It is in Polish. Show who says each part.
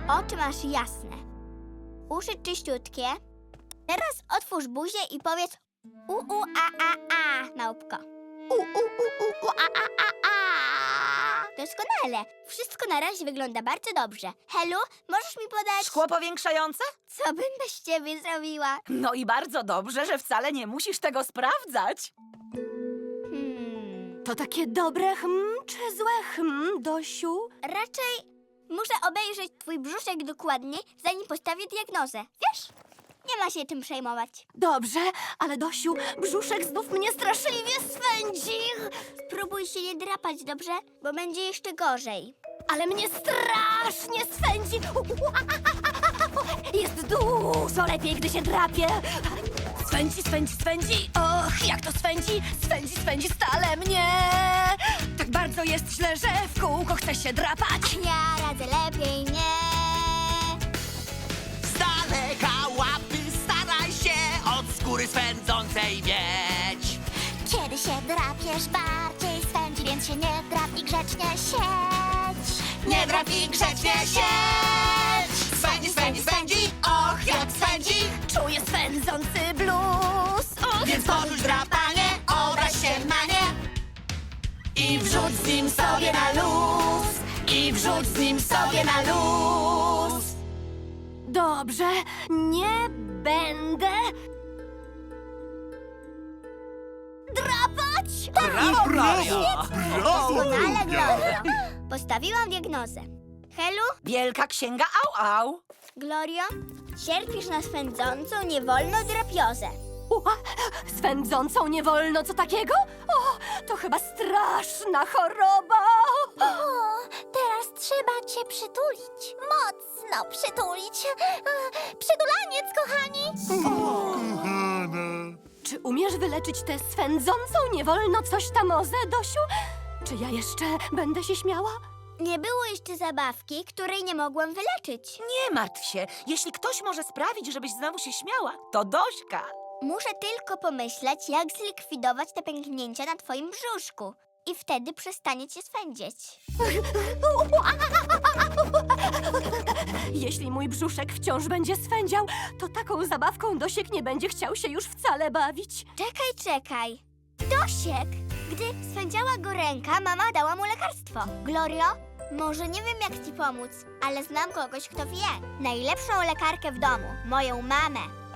Speaker 1: Oczy masz jasne. Uszy czyściutkie. Teraz otwórz buzię i powiedz a, małpko. A. Doskonale. Wszystko na razie wygląda bardzo dobrze. Helu, możesz mi podać...
Speaker 2: Szkło powiększające?
Speaker 1: Co bym bez ciebie zrobiła?
Speaker 2: No i bardzo dobrze, że wcale nie musisz tego sprawdzać.
Speaker 3: To takie dobre czy złe Dosiu?
Speaker 1: Raczej muszę obejrzeć twój brzuszek dokładniej, zanim postawię diagnozę. Wiesz? Nie ma się czym przejmować.
Speaker 3: Dobrze, ale Dosiu, brzuszek znów mnie straszliwie swędzi.
Speaker 1: Spróbuj się nie drapać, dobrze? Bo będzie jeszcze gorzej.
Speaker 3: Ale mnie strasznie swędzi. Jest dużo lepiej, gdy się drapię. Swędzi, swędzi, swędzi. Och, jak to swędzi. Swędzi, swędzi stale mnie. Tak bardzo jest źle, że w kółko chcę się drapać.
Speaker 1: Ja radzę lepiej nie.
Speaker 4: Z daleka łapy staraj się od skóry swędzącej mieć.
Speaker 5: Kiedy się drapiesz, bardziej swędzi, więc się nie drap i grzecznie siedź.
Speaker 4: Nie drap i grzecznie siedź. Swędzi, swędzi, swędzi, och jak swędzi.
Speaker 3: Czuję swędzący blues. Och,
Speaker 4: Więc porzuć drapanie, obraź się na nie i wrzuć z nim sobie na luz. I wrzuć z nim sobie na luz.
Speaker 3: Dobrze, nie będę drapać.
Speaker 4: Brawo, Gloria!
Speaker 1: Doskonale, Glorio. Postawiłam diagnozę. Helu,
Speaker 2: Wielka księga au.
Speaker 1: Glorio, cierpisz na swędzącą, niewolną drapiozę.
Speaker 3: Swędzącą nie wolno co takiego? O, to chyba straszna choroba.
Speaker 5: O, teraz trzeba cię przytulić. Mocno przytulić. Przydulaniec, kochani.
Speaker 3: Czy umiesz wyleczyć tę swędzącą nie wolno coś tamozę, Dosiu? Czy ja jeszcze będę się śmiała?
Speaker 1: Nie było jeszcze zabawki, której nie mogłam wyleczyć.
Speaker 2: Nie martw się. Jeśli ktoś może sprawić, żebyś znowu się śmiała, to Dośka.
Speaker 1: Muszę tylko pomyśleć, jak zlikwidować te pęknięcia na twoim brzuszku. I wtedy przestanie cię swędzić.
Speaker 3: Jeśli mój brzuszek wciąż będzie swędział, to taką zabawką Dosiek nie będzie chciał się już wcale bawić.
Speaker 1: Czekaj. Dosiek! Gdy swędziała go ręka, mama dała mu lekarstwo. Glorio, może nie wiem, jak ci pomóc, ale znam kogoś, kto wie. Najlepszą lekarkę w domu, moją mamę.